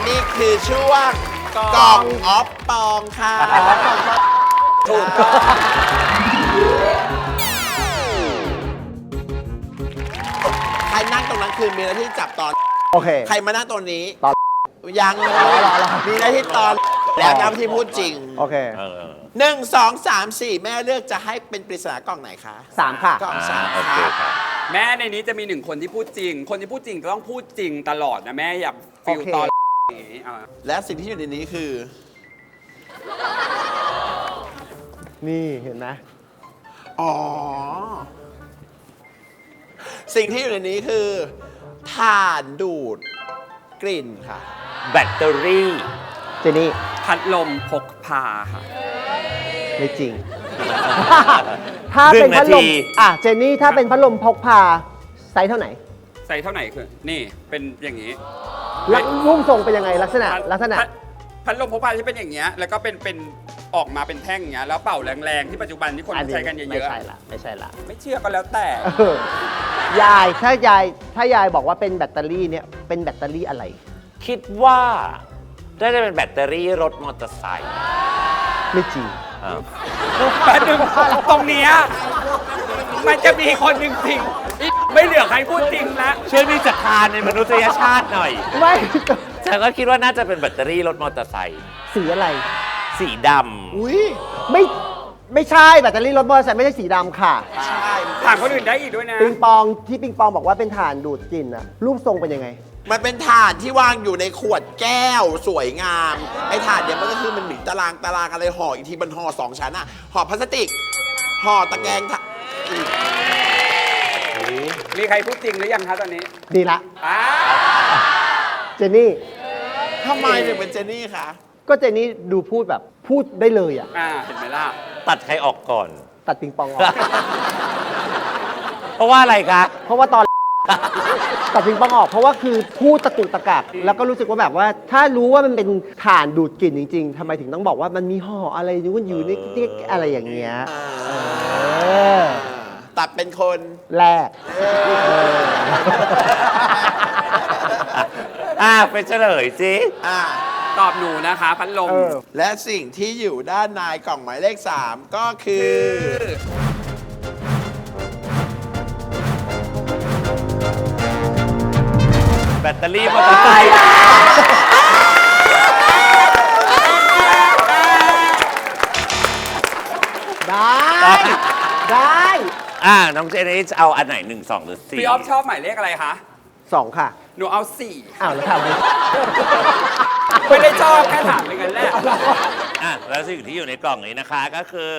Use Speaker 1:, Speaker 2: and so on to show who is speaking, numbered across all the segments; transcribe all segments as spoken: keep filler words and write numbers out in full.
Speaker 1: นี่คือช่วงกล่องออฟปองค่ะถูกต้องใครนั่งตรงนั้นคือมีหน้าที่จับตอน
Speaker 2: โอเค
Speaker 1: ใครมานั่งตรงนี้
Speaker 2: ตอน
Speaker 1: ยังมีหน้าที่ตอนแล้วน้ำที่พูดจริง
Speaker 2: โอเค
Speaker 1: หนึ่งสองสามสี่แม่เลือกจะให้เป็นปริศนากล่องไหนคะ
Speaker 2: สามค่ะ
Speaker 1: กล่องสาม
Speaker 3: ค่ะแม่ในนี้จะมีหนึ่งคนที่พูดจริงคนที่พูดจริงต้องพูดจริงตลอดนะแม่อย่าฟิลตอนนี้
Speaker 1: และสิ่งที่อยู่ในนี้คือ
Speaker 2: นี่เห็นไหม
Speaker 1: อ๋อสิ่งที่อยู่ในนี้คือถ่านดูดกลิ่นค่ะ
Speaker 3: แบตเตอรี่
Speaker 2: เจนี่
Speaker 3: พัดลมพกพาค่ะ
Speaker 2: ไม่จริง ถ้าเป็นพัดลมอ่ะเจนี่ถ้าเป็นพัดลมพกพาไซส์เท่าไหร่
Speaker 3: ไซส์เท่าไหร่คือนี่เป็นอย่างนี้
Speaker 2: ลักรูปทรงเป็นยังไงลักษณะลักษณะ
Speaker 3: พัดลมพกพาที่เป็นอย่างเงี้ยแล้วก็เป็นเป็นออกมาเป็นแท่งอย่างเงี้ยแล้วเป่าแรงๆที่ปัจจุบันที่คนใช้กันเยอะๆไม่
Speaker 2: ใช่ละไม่ใช่ละ
Speaker 3: ไม่เชื่อก็แล้วแต่
Speaker 2: ยายถ้ายายถ้ายายบอกว่าเป็นแบตเตอรี่เนี่ยเป็นแบตเตอรี่อะไร
Speaker 4: คิดว่าได้จะเป็นแบตเตอรี่รถมอเตอร์ไซค์
Speaker 2: ไม่จริง
Speaker 3: แป๊บนึงตรงนี้มันจะมีคนจริงๆไม่เหลือใครพูดจริงแล้ว
Speaker 4: ช่วยมีศรัทธาในมนุษยชาติหน่อย
Speaker 2: ไม่
Speaker 4: ฉันก็คิดว่าน่าจะเป็นแบตเตอรี่รถมอเตอร์ไซค์
Speaker 2: สีอะไร
Speaker 4: สีดำ
Speaker 2: อุ้ยไม่ไม่ใช่แบตเตอรี่รถมอเตอร์ไซค์ไม่ใช่สีดำค่ะ
Speaker 1: ใช่
Speaker 3: ถามคนอื่นได้อีกด้วยนะ
Speaker 2: ปิงปองที่ปิงปองบอกว่าเป็นถ่านดูดกลิ่นอะรูปทรงเป็นยังไง
Speaker 1: มันเป็นถ่านที่วางอยู่ในขวดแก้วสวยงามไอ้ถ่านเนี่ยมันก็คือมันมีตารางตารางอะไรห่ออีกทีมันห่อสองชั้นอะห่อพลาสติกห่อตะแกรง
Speaker 3: มีใครพูดจริงหรือยังคะตอนนี้
Speaker 2: ดีละเจนนี่
Speaker 1: ทำไมถึงเป็นเจนนี่คะ
Speaker 2: ก็เจนนี่ดูพูดแบบพูดได้เลยอ่ะ
Speaker 3: เห็นไหมล่ะ
Speaker 4: ตัดใครออกก่อน
Speaker 2: ตัดปิงปองออก
Speaker 4: เพราะว่าอะไรคะ
Speaker 2: เพราะว่าตอนตัดปิงปองออกเพราะว่าคือพูดตะกุกตะกักแล้วก็รู้สึกว่าแบบว่าถ้ารู้ว่ามันเป็นถ่านดูดกลิ่นจริงๆทำไมถึงต้องบอกว่ามันมีห่ออะไรนู่นอยู่ในติ๊กอะไรอย่างเงี้ย
Speaker 1: ตัดเป็นคน
Speaker 2: แรก
Speaker 4: อ่าเป็นเฉลยสิ
Speaker 1: อ่า
Speaker 3: ตอบหนูนะคะพัดลม
Speaker 1: และสิ่งที่อยู่ด้านในกล่องหมายเลขสามก็คือ
Speaker 4: แบตเตอรี่มอเตอร์ไซค์
Speaker 2: ได้ได้
Speaker 4: อ่าน้องเจนนี่จะเอาอันไหนหนึ่งสองหรือสี่
Speaker 3: พี่ออฟชอบหมายเลขอะไรคะ
Speaker 2: สองค่ะ
Speaker 3: หนูเอาสี่
Speaker 2: อ้าวแล้วทำไม
Speaker 3: ไม่ได้ชอบแค่ถามเป็นกันแรก
Speaker 4: อ่ะแล้วสิ่งที่อยู่ในกล่องนี้นะคะก็คือ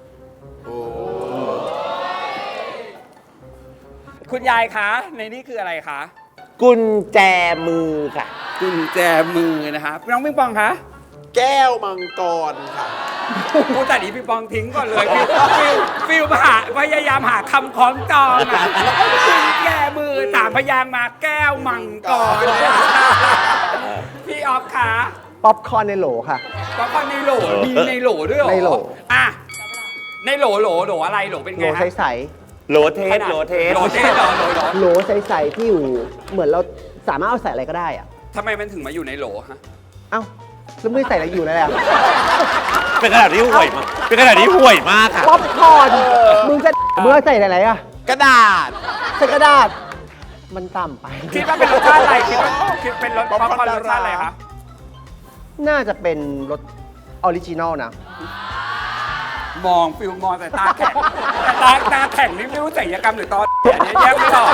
Speaker 3: คุณยายคะในนี้คืออะไรคะ
Speaker 4: กุญแจมือค่ะ
Speaker 3: กุญแจมือนะคะน้องปิงปองคะ
Speaker 1: แก้วมังกรค่ะ
Speaker 3: โอ้แต่นี้ปิงปองทิ้งก่อนเลยฟิลฟิลหาพยายามหาคำคล้องจองอ่ะกุญแจมือสามพยางมาแก้วมังกรพี่ออฟคะ
Speaker 2: ป๊อปคอร์นในโหลค่ะ
Speaker 3: ป๊อปคอร์นในโหลมีในโหลด้วยเหรอ
Speaker 2: ในโหล
Speaker 3: อ่ะในโหลโหลโหลอะไรโหลเป็นไง
Speaker 2: โหลใส
Speaker 4: ๆโหลเทสโหลเทส
Speaker 3: โหลเทสโหลโหล
Speaker 2: โหลใสๆที่อยู่เหมือนเราสามารถเอาใส่อะไรก็ได้อะ
Speaker 3: ทำไมมันถึงมาอยู่ในโหลฮะ
Speaker 2: เอ้าแล้วไม่ใส่อะไรอยู่แล้วอ่ะ
Speaker 4: เป็นขนาดที่ห่วยมากเป็นขนาดที่ห่วยมากค่ะ
Speaker 2: ป๊อปคอร์นมึงจะมึงใส่อะไรอ่ะ
Speaker 1: กระดาษ
Speaker 2: ใส่กระดาษมันต่ำไป
Speaker 3: คิดว่าเป็นรสชาติอะไรคิดว่าคิดเป็นรสป๊อปคอร์นรสชาติอะไรคะ
Speaker 2: น่าจะเป็นรสออริจินอลนะ
Speaker 3: มองฟิลมองแต่ตาแข็งแต่ตาตาแข็งนี่ไม่รู้ศัลยกรรมหรือตอนเนี้ยแยกไม่ออก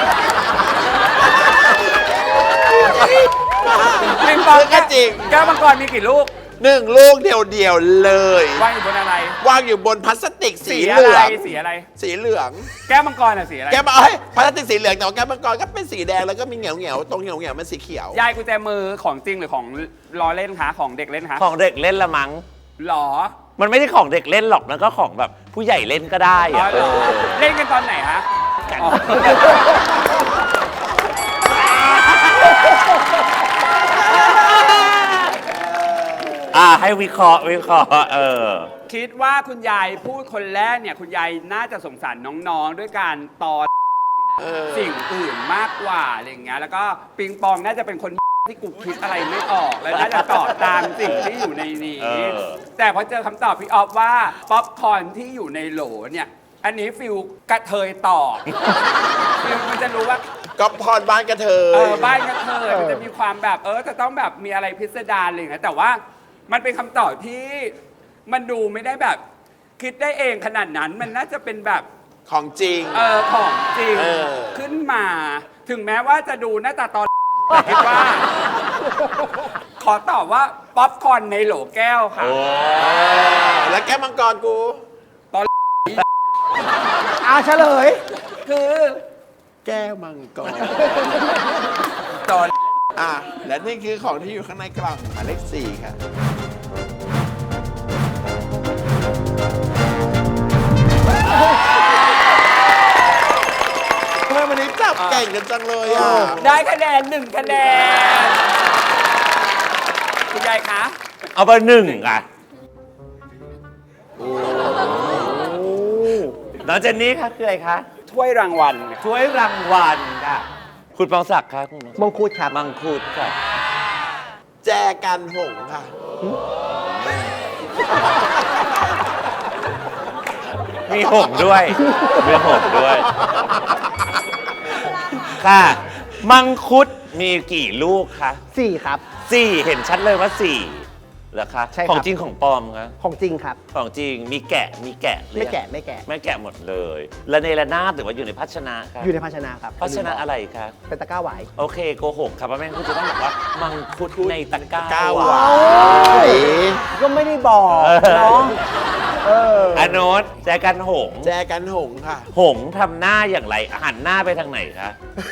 Speaker 3: ปิงปอง
Speaker 1: ก็จริง
Speaker 3: แก้วมังกรมีกี่ลูก
Speaker 1: หนึ่งลูกเดียวๆเลยว
Speaker 3: างอยู่บนอะไร
Speaker 1: วางอยู่บนพลาสติกสีเหลือง
Speaker 3: สีอะไร
Speaker 1: สีเหลือง
Speaker 3: แก้วมังกรอะสีอะไร
Speaker 1: แก้วมังกรพลาสติกสีเหลืองแต่แก้วมังกรก็เป็นสีแดงแล้วก็มีเหนียวเหนียวตรงเหนียวเหนียวมันสีเขียวย
Speaker 3: ายกุญแจมือของจริงหรือของล้อเล่นคะของเด็กเล่นคะ
Speaker 4: ของเด็กเล่นละมั้ง
Speaker 3: หรอ
Speaker 4: มันไม่ใช่ของเด็กเล่นหรอกมันก็ของแบบผู้ใหญ่เล่นก็ได้อะ
Speaker 3: เล่นกันตอนไหนฮะ
Speaker 4: อ่าให้วิเคราะห์วิเคราะห์เออ
Speaker 3: คิดว่าคุณยายพูดคนแรกเนี่ยคุณยายน่าจะสงสารน้องๆด้วยการตอนสิ่งอื่นมากกว่าอะไรอย่างเงี้ยแล้วก็ปิงปองน่าจะเป็นคนที่กูคิดอะไรไม่ออกแล้วน่าจะตอบตามสิ่งที่อยู่ในนี้
Speaker 4: เออ
Speaker 3: แต่พอเจอคำตอบพี่ออฟว่าป๊อปคอร์นที่อยู่ในโหลเนี่ย อันนี้ฟิลกระเทยตอบฟิลมันจะรู้ว่า
Speaker 1: ก็พรบ้านกระเท
Speaker 3: เอย อบ้านกระเทยมันจะมีความแบบเออจะต้องแบบมีอะไรพิสดารอะไรอย่างเงี้ยแต่ว่ามันเป็นคำตอบที่มันดูไม่ได้แบบคิดได้เองขนาดนั้นมันน่าจะเป็นแบบ
Speaker 1: ของจริง
Speaker 3: เออของจริง
Speaker 1: เออ
Speaker 3: ขึ้นมา ถึงแม้ว่าจะดูหน้าตาตอน แต่คิดว่า ขอตอบว่าป๊อปคอร์นในโหลแก้วค่ะ
Speaker 4: โอ้
Speaker 1: แล้วแก้วมังกรกู
Speaker 2: อาเฉลย
Speaker 3: คือ
Speaker 1: แก้วมังกร
Speaker 3: ตอน
Speaker 1: อ่ะ และนี่คือของที่อยู่ข้างในกล่องหมายเลขสี่ค่ะทำไมวันนี้จับเก่งกันจังเลยอ่ะ
Speaker 3: ได้คะแนนหนึ่งคะแนนคุณยายคะ
Speaker 4: เอาไปหนึ่งอ่ะน้องเจนนี่คะคืออะไรคะ
Speaker 3: ถ้วยรางวัล
Speaker 4: ช่วยรางวัลค่ะ คุณปองศักดิ์ครับคุณ
Speaker 2: มงคุดครับ
Speaker 4: มังคุดค่ะ
Speaker 1: แจกันหงส์ค่ะ
Speaker 4: มีหงส์ด้วย มีหงส์ด้วย ค่ะ มังคุดมีกี่ลูกคะ
Speaker 2: สี่ครับ
Speaker 4: สี่เห็นชัดเลยว่าสี่เหรอคะ
Speaker 2: ใช่ครับ
Speaker 4: ของจริงของปลอมคะ
Speaker 2: ของจริงครับ
Speaker 4: ของจริงมีแกะมีแกะหรือ
Speaker 2: ไม่
Speaker 4: ยัง
Speaker 2: แกะไม่แกะ
Speaker 4: ไม่แกะหมดเลย และในระนาดหรือว่าอยู่ในภาชนะครับ
Speaker 2: อยู่ในภาชนะครับ
Speaker 4: ภาชนะอะไรคะ
Speaker 2: เป็นตะกร้าหวาย
Speaker 4: โอเคโกหกครับว่าแม่งคุณจะต้องบอกว่า มังคุดในตะกร้า
Speaker 1: ก้าว
Speaker 4: ห
Speaker 1: ห
Speaker 4: วาว
Speaker 1: าน ย
Speaker 2: ก็ไม่ได้บอกเนาะเออ
Speaker 4: อโนตแจกันหงส์
Speaker 1: แจกันหงส์ค่ะ
Speaker 4: หงส์ทำหน้าอย่างไรหันหน้าไปทางไหนคะ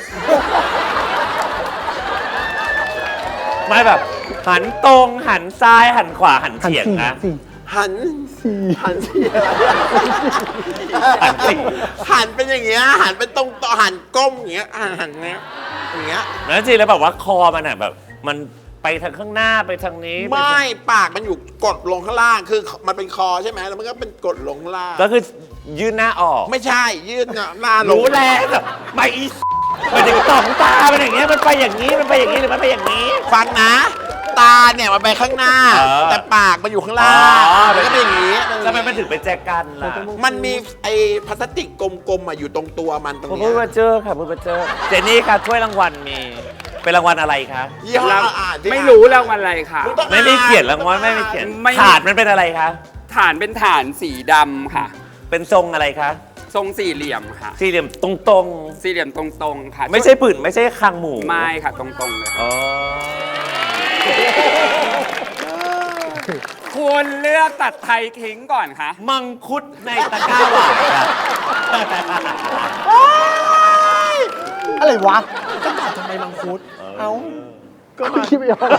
Speaker 4: ไม่แบบ หันตรงหันซ้ายหันขวาหัน
Speaker 2: หัน
Speaker 4: เฉียง
Speaker 2: สี่
Speaker 4: นะ
Speaker 2: สี่
Speaker 1: หัน
Speaker 2: สี่
Speaker 1: หันสี่อะไร
Speaker 4: หันสี่
Speaker 1: หันเป็นอย่างเงี้ย หันเป็นตรงต่อหันก้มอย่างเงี้ย หันหันเงี้ย อย่างเงี้ย
Speaker 4: แล้วจริงแล้วแบบว่าคอมันอ่ะแบบ มันไปทางข้างหน้าไปทางนี้
Speaker 1: ไม่
Speaker 4: ปทาง
Speaker 1: ปากมันอยู่กดลงข้างล่าง คือมันเป็นคอใช่ไหมแล้วมันก็เป็นกดลงข้างล่าง
Speaker 4: ก็คือยื่นหน้าออก
Speaker 1: ไม่ใช่ ยืดหน้าลง
Speaker 4: รู้แล้วแบบไม่อีมันถึงสองตาเป็นอย่างเงี้ยมันไปอย่างนี้มันไปอย่างนี้หรือมันไปอย่างนี้
Speaker 1: ฟังนะ ตาเนี่ยมันไปข้างหน้า
Speaker 4: เออ
Speaker 1: แต่ปากมันอยู่ข้างล่าง
Speaker 4: อ๋อ
Speaker 1: มันก็เป็นอย่างนี้
Speaker 4: ทำไมมันถึงเป็นแจกันล่ะ
Speaker 1: มันมีไอ้พลาสติกกลมๆอะอยู่ตรงตัวมันตรง
Speaker 4: ผม
Speaker 1: เนี้
Speaker 4: เพิ่ง
Speaker 1: ย
Speaker 4: มาเจอค่ะเพิ่งมาเจอเจนนี่ค่ะถ้วยรางวัลมี เป็นรางวัลอะไรคะ
Speaker 1: ยี่ห้ออ่านดิ
Speaker 3: ไม่รู้รางวัลอะไรค่ะ
Speaker 1: มึงต้อง
Speaker 4: ไม่มีเขียนรางวัลไม่มีเขียน
Speaker 3: ไม่
Speaker 4: ถาดมันเป็นอะไรคะ
Speaker 3: ฐานเป็นฐานสีดำค่ะ
Speaker 4: เป็นทรงอะไรคะ
Speaker 3: ทรงสี่เหลี่ยมค่ะ
Speaker 4: สี่เหลี่ยมตรง
Speaker 3: สี่เหลี่ยมตรงๆค่ะ
Speaker 4: ๆ ไม่ใช่ปืนไม่ใช่คางหมู
Speaker 3: ไม่ค่ะตรงๆเลย
Speaker 4: อ๋อ
Speaker 3: ควรเลือกตัดไทยทิ้งก่อนค่ะ
Speaker 4: มังคุดในตะกร้าหวานค่ะ
Speaker 2: อะไรวะ
Speaker 1: ก็ตอบทำไมมังคุด เอ้า ก็มา
Speaker 2: คิดไม่ออก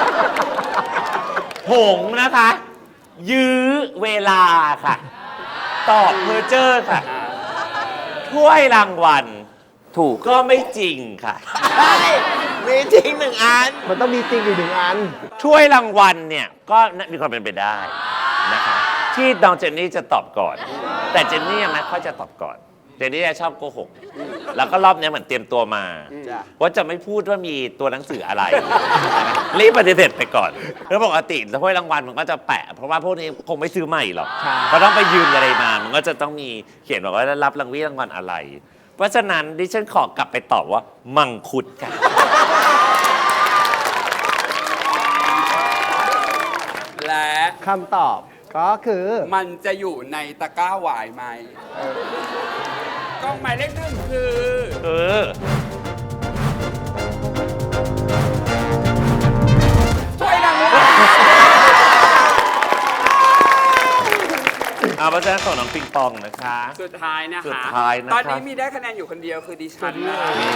Speaker 4: หงส์นะคะ ยื้อเวลาค่ะ ตอบเพอร์เจอร์ค่ะ ถ้วยรางวัลถูกก็ไม่จริงค่ะ
Speaker 1: ใช่มีจริงหนึ่งอัน
Speaker 2: มันต้องมีจริงอยู่หนึ่งอัน
Speaker 4: ถ้วยรางวัลเนี่ยก็มีความเป็นไปได้นะคะ ที่น้องเจนนี่จะตอบก่อน แต่เจนนี่ยังไม่ค่อยจะตอบก่อน เจนนี่จะชอบโกหก แล้วก็รอบนี้เหมือนเตรียมตัวมา
Speaker 1: จ้ะ
Speaker 4: ว่าจะไม่พูดว่ามีตัวหนังสืออะไร รีบปฏิเสธไปก่อนแล้วปกติถ้วยรางวัลมันก็จะแปะ เพราะว่าพวกนี้คงไม่ซื้อใหม่หรอก
Speaker 2: ใช่
Speaker 4: เพราะต้องไปยืนอะไรมา มันก็จะต้องมีเขียนบอกว่าได้รับรางวีรางวัลอะไร เพราะฉะนั้นดิฉันขอกลับไปตอบว่า มังคุดค่ะ
Speaker 3: และ
Speaker 2: คำตอบก็คือ
Speaker 3: มันจะอยู่ในตะกร้าหวายไหมกล้องหมายเลขหนึ่งคือ
Speaker 4: เออ
Speaker 3: ถ้วยรางวัล
Speaker 4: เอาเพราะฉะนั้นของน้องปิงปองนะคะ
Speaker 3: สุดท้ายนะคะ
Speaker 4: สุดท้ายนะครับ
Speaker 3: ตอนนี้มีได้คะแนนอยู่คนเดียวคือดิฉันนะ
Speaker 4: นี่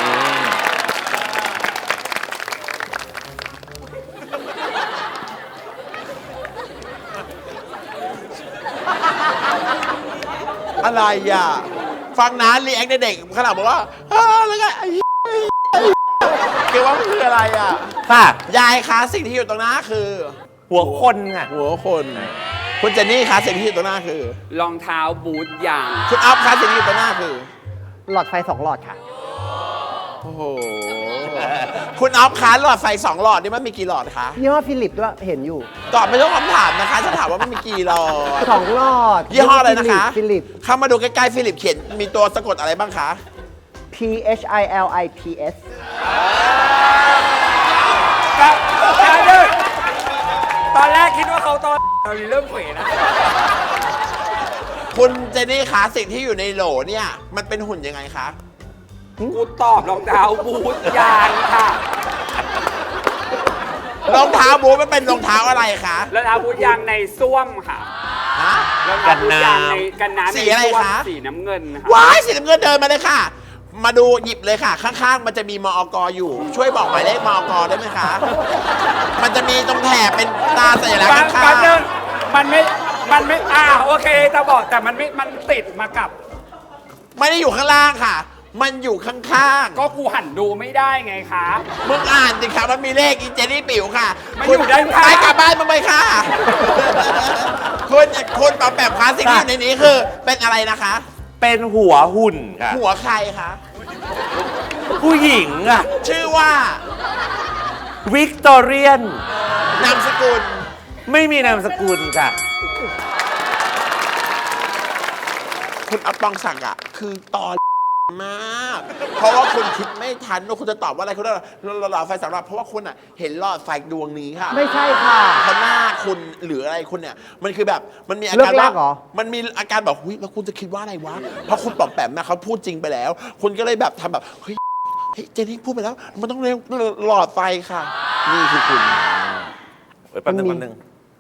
Speaker 1: อะไรอ่ะ ฟังนะรีแอคเด็กขนาดบอกว่าเออแล้วก็ไอ้เหี้ยไอ้เหี้ยเกี่ยวว่ามันคืออะไรอ่ะ
Speaker 4: ค่ะ
Speaker 1: ยายคะสิ่งที่อยู่ตรงหน้าคือ
Speaker 4: หัวคนค่ะ
Speaker 1: หัวคน คุณเจนนี่คะสิ่งที่อยู่ตรงหน้าคือ
Speaker 3: รองเท้าบูทยาง
Speaker 1: คุณอัพคะสิ่งที่อยู่ตรงหน้าคือ
Speaker 2: หลอดไฟสองหลอดค่ะ
Speaker 1: โอ้โหคุณออฟคะหลอดไฟสองหลอดนี่มันมีกี่หลอดคะ
Speaker 2: ยี่ห้อฟิลิปด้วยเห็นอยู่
Speaker 1: ตอบไม่ต้องคำถามนะคะฉันถามว่ามันมีกี่หลอด
Speaker 2: สองหลอด
Speaker 1: ยี่ห้ออะไรนะคะ
Speaker 2: ฟิลิป
Speaker 1: เข้ามาดูใกล้ๆฟิลิปเขียนมีตัวสะกดอะไรบ้างคะ
Speaker 2: P H I L I P S
Speaker 3: ครับตอนแรกคิดว่าเขาตอนเราเริ่มเขวนะ
Speaker 1: คุณเจนนี่คะสิ่งที่อยู่ในโหลเนี่ยมันเป็นหุ่นยังไงคะ
Speaker 3: กูตอบรองเท้าบูทยางค่ะ
Speaker 1: รองเท้าบูทมันเป็นรองเท้าอะไรคะ
Speaker 3: รองเท้าบูทยางในส้วมค่ะ
Speaker 1: ฮะ
Speaker 3: รองเท้าบูทยางในกันน้ำ
Speaker 1: สีอะไร
Speaker 3: ในส้วม
Speaker 1: คะ
Speaker 3: สีน้ำเงินค่ะ
Speaker 1: ว้ายสีน้ำเงินเดินมาเลยค่ะ มาดูหยิบเลยค่ะ ข้างๆ มันจะมีมอกอยู่ ช่วยบอกหมายเลขมอกได้ไหมคะ มันจะมีตรงแถบเป็นตาสัญลักษ
Speaker 3: บาง
Speaker 1: ณ์ข้า
Speaker 3: บาง
Speaker 1: ง
Speaker 3: เดินมันไม่ มันไม่ อ่าโอเคจะบอกแต่มันไม่ มันติดมากับ
Speaker 1: ๆไม่ได้อยู่ข้างล่างค่ะ มันอยู่ข้าง
Speaker 3: ก็กูหันดูไม่ได้ไงคะ
Speaker 1: ๆมึงอ่านสิคะมันมีเลขอีเจนี่ปิ๋วค่ะ
Speaker 3: มันอยู่ด้านข้าง
Speaker 1: ไปกลับบ้านมาไปค่ะ คุณคุณปอมแปมคะสิ่งที่อยู่ในนี้คือ เป็นอะไรนะคะ
Speaker 4: เป็นหัวหุ่นค่ะ
Speaker 1: หัวใครคะ
Speaker 4: ผู้หญิงอะ
Speaker 1: ชื่อว่า
Speaker 4: วิกตอเรียน
Speaker 1: นามสกุล
Speaker 4: ไม่มีนามสกุลค่ะ
Speaker 1: คุณอัปปองศักดิ์อ่ะ คือตอนมาก เพราะว่าคุณคิดไม่ทันว่าคุณจะตอบว่าอะไรคุณได้หลอดไฟสำหรับเพราะว่าคุณอ่ะเห็นหลอดไฟดวงนี้ค่ะ
Speaker 2: ไม่ใช่ค่ะ
Speaker 1: เพราะหน้าคุณหรืออะไรคุณเนี่ย มันคือแบบมันมีอาการ
Speaker 2: เลิกลา
Speaker 1: ว่าก
Speaker 2: เหรอ
Speaker 1: มันมีอาการแบบหุ้ยแล้วคุณจะคิดว่าอะไรวะเพราะคุณปอมแปมนะเขาพูดจริงไปแล้ว คุณก็เลยแบบทำแบบเฮ้ยเฮ้ยเจนนี่พูดไปแล้ว มันต้องเร็วหลอดไฟค่ะ นี่คือคุณ
Speaker 4: เอ้ยแป๊บนึงแป๊บนึง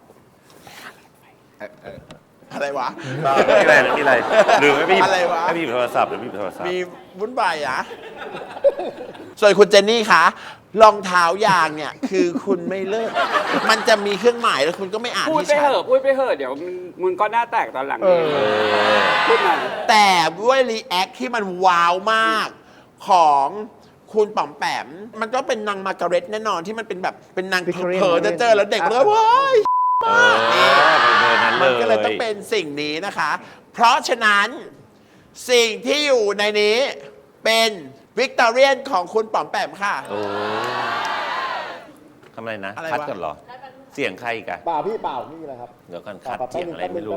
Speaker 1: อะไรวะ
Speaker 4: ไม่มีอะไรไม่มีอะไรหรือไม่มี
Speaker 1: อะไรวะ
Speaker 4: ไม่มีโทรศัพท์หรือไม่มีโทรศัพท์
Speaker 1: มีวุ่นวายอะ ส่วนคุณเจนนี่คะรองเท้ายางเนี่ย คือคุณไม่เลิก มันจะมีเครื่องหมายแล้วคุณก็ไม่อ่าน
Speaker 3: พูด
Speaker 1: ที่
Speaker 3: ไป
Speaker 1: ชั
Speaker 3: เห
Speaker 1: ด
Speaker 3: อะพูดไปเหอะเดี๋ยวมึงมึงก็หน้าแตกตอนหลังเองพูดมัน
Speaker 1: แต่ด้วยรีแอคที่มันว้าวมากของคุณป๋อมแปม มันก็เป็นนางมาร์การเร็ตแน่นอนที่มันเป็นแบบเป็นนาง
Speaker 2: Victorian
Speaker 1: เผลอๆจะเจอแล้วเด็กมันก็ว้าย
Speaker 4: เออเป็นเบอร์นั้นเล
Speaker 1: มัน
Speaker 4: ย
Speaker 1: ก็เลยต้องเป็นสิ่งนี้นะคะ เพราะฉะนั้นสิ่งที่อยู่ในนี้เป็นวิกตอเรียนของคุณป๋อมแปมค่ะ
Speaker 4: โอ้ทำอะไรนะ
Speaker 1: อะไรวะ
Speaker 4: คัดกันเหรอ เสียงใครอีกัน
Speaker 2: เปล่าพี่เปล่าไม่มีอะไรครับ
Speaker 4: เดี๋ยวกันคัดเสียงอะไรไม่รู้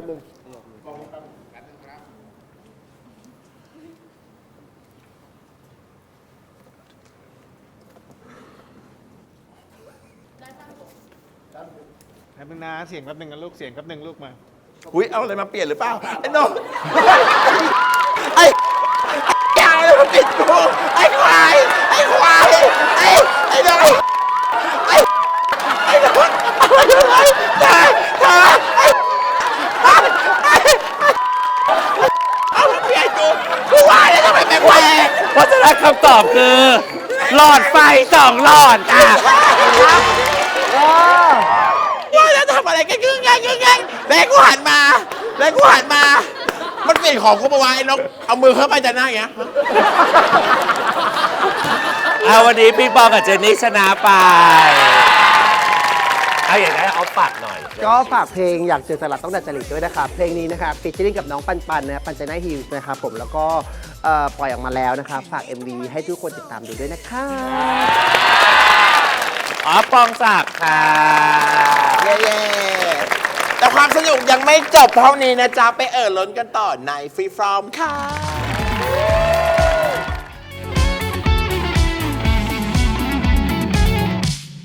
Speaker 5: แป๊บนึงนะเสียงแป๊บนึงนะลูกเสียงแป๊บนึงลูกมา
Speaker 1: อุ้ยเอาอะไรมาเปลี่ยนหรือเปล่า ไอ้น้องไอ้ไอ้อะไรมาปิดกูไอ้ควายไอ้ควายไอ้ไอ้น้องไอ้ไอ้น้องเอามาดูไอ้ตายตายไอ้ไอ้เอามาเปลี่ยนกูกูว่าแล้วทำไมแปลก
Speaker 4: เพราะฉะนั้นคำตอบคือ หลอดไฟสองหลอดค่ะ
Speaker 1: ว่าแล้วทำอะไรกันกึ่งไงกึ่งไงแล้วกูหันมาแล้วกูหันมา มันเปลี่ยนของกูมาวางไอ้นกเอามือเข้าไปจะหน้าอย่างเงี้ย
Speaker 4: เอาวันนี้พี่ปองกับเจนนี่ชนะไป เอาอย่างนั้นเอาปากหน่อย
Speaker 2: ก็ฝากเพลงอยากเจอสลัดต้องดัดจริตด้วยนะครับ เพลงนี้นะครับฟีเจอริ่งกับน้องปันปันนะปันเจน่าฮิลส์นะครับผมแล้วก็เอ่อปล่อยออกมาแล้วนะครับ ฝาก เอ็ม วี ให้ทุกคนติดตามดูด้วยนะคะ
Speaker 4: อ๋อปองศักดิ์ค่ะ
Speaker 1: เย้ๆแต่ความสนุกยังไม่จบเท่านี้นะจ๊ะ ไปเอ่อล้นกันต่อในฟรีฟรอมค่ะ